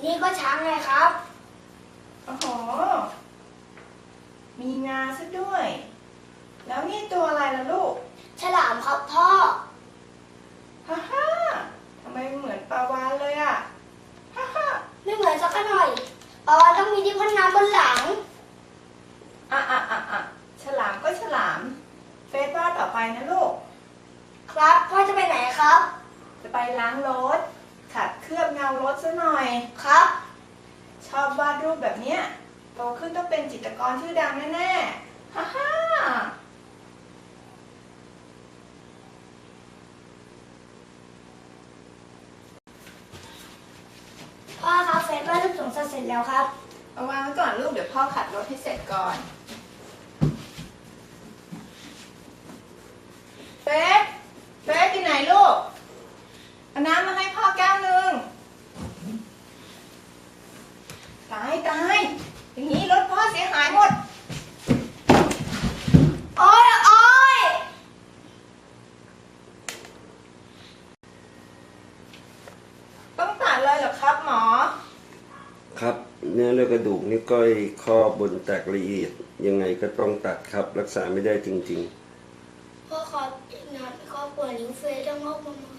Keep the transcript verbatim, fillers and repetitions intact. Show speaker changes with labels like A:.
A: นี่ก็ช้างไงครับ
B: โอ้โหมีงาซะด้วย แล้วนี่ตัวอะไรล่ะลูก
A: ฉลามครับพ่อ
B: ฮ่าฮ่าทำไมเหมือนปลาวาฬเลยอ่ะฮ่าฮ่า
A: ไม่เหมือนสักหน่อยปลาวาฬต้องมีที่พ่นน้ำบนหลัง
B: อ่ะอ่ะอ่ะอ่ะฉลามก็ฉลาม เฟซว่าต่อไปนะลูก
A: ครับพ่อจะไปไหนครับ
B: จะไปล้างรถขัดเคลือบเงารถซะหน่อย
A: ครับ
B: ชอบวาดรูปแบบเนี้ยโตขึ้นต้องเป็นจิตรกรชื่อดังแน่ๆฮ่าฮ่า
A: พ่อครับเฟซว่ารูปสงสัยเสร็จแล้วครับ
B: เอาวางไว้ก่อนลูกเดี๋ยวพ่อขัดรถให้เสร็จก่อนเฟซเฟซที่ไหนลูกเอาน้ำมาให้พ่อแก้วหนึ่งตายตายอย่างนี้รถพ่อเสียหายหมด
A: โอ๊ยโอ๊ย
B: ต้องตัดเลยเหรอครับหมอ
C: ครับเนื้อเลือดกระดูกนิ้วก้อยข้อบนแตกละเอียดยังไงก็ต้องตัดครับรักษาไม่ได้จริง
A: พ่อครับอีกนานครอบครัวนิ้วเฟซจะงอกมาใหม่